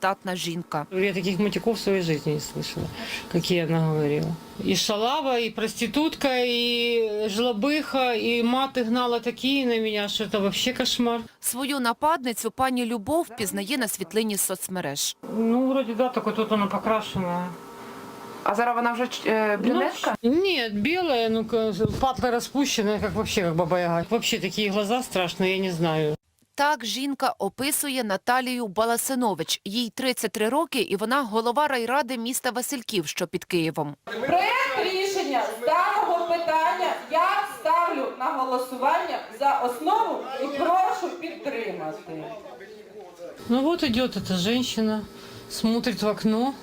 статна жінка. Я таких матюков в своей жизни не слышала, какие она говорила. И шалава, и проститутка, и жлобыха, и маты гнала такие на меня, что это вообще кошмар. Свою нападницю пані Любов впізнає на світлині з соцмереж. Ну, вроде да, только тут она покрашенная. А зараз вона вже брюнетка? Нет, белая, ну, патлы распущенная, как вообще, как баба-яга. Вообще такие глаза страшные, я не знаю. Так жінка описує Наталію Баласинович. Їй 33 роки, і вона голова райради міста Васильків, що під Києвом. Проект рішення з даного питання я ставлю на голосування за основу і прошу підтримати. Ну вот идет эта женщина, смотрит в окно.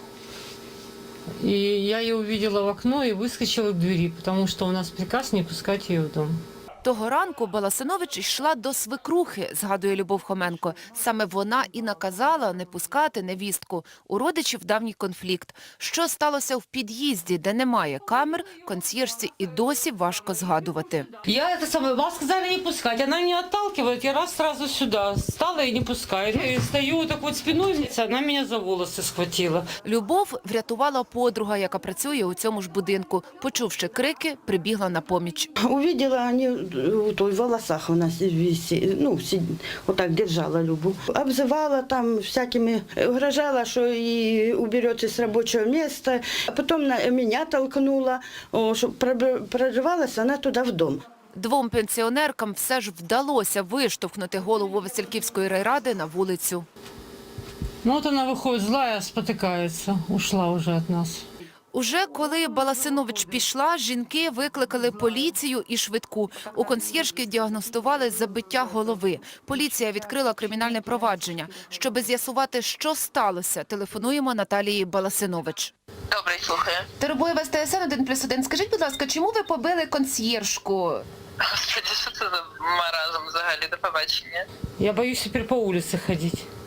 И я ее увидела в окно и выскочила к двери, потому что у нас приказ не пускать ее в дом. Того ранку Баласинович йшла до свекрухи, згадує Любов Хоменко. Саме вона і наказала не пускати невістку. У родичів давній конфлікт. Що сталося в під'їзді, де немає камер, консьєржці і досі важко згадувати. Вас сказали не пускать, она меня отталкивает, я сразу сюда стала и не пускаю. И стою так вот спиной, она меня за волосы схватила. Любов врятувала подруга, яка працює у цьому ж будинку. Почувши крики, прибігла на поміч. Увидела, они в волосах у нас ну, вот так держала Любу. Обзывала там всякими, угрожала, что и уберете с рабочего места. А потом меня толкнула, чтобы прорывалась она туда в дом. Двом пенсіонеркам все ж вдалося виштовхнути голову Васильківської райради на вулицю. Ну вот она выходит злая, спотыкается, ушла уже от нас. Уже коли Баласинович пішла, жінки викликали поліцію і швидку. У консьєржки діагностували забиття голови. Поліція відкрила кримінальне провадження. Щоби з'ясувати, що сталося, телефонуємо Наталії Баласинович. Добре, слухаю. Теребоєва з ТСН 1+1. Скажіть, будь ласка, чому ви побили консьєржку? Господи, що це за маразм взагалі, до побачення? Я боюсь теперь по улице ходить.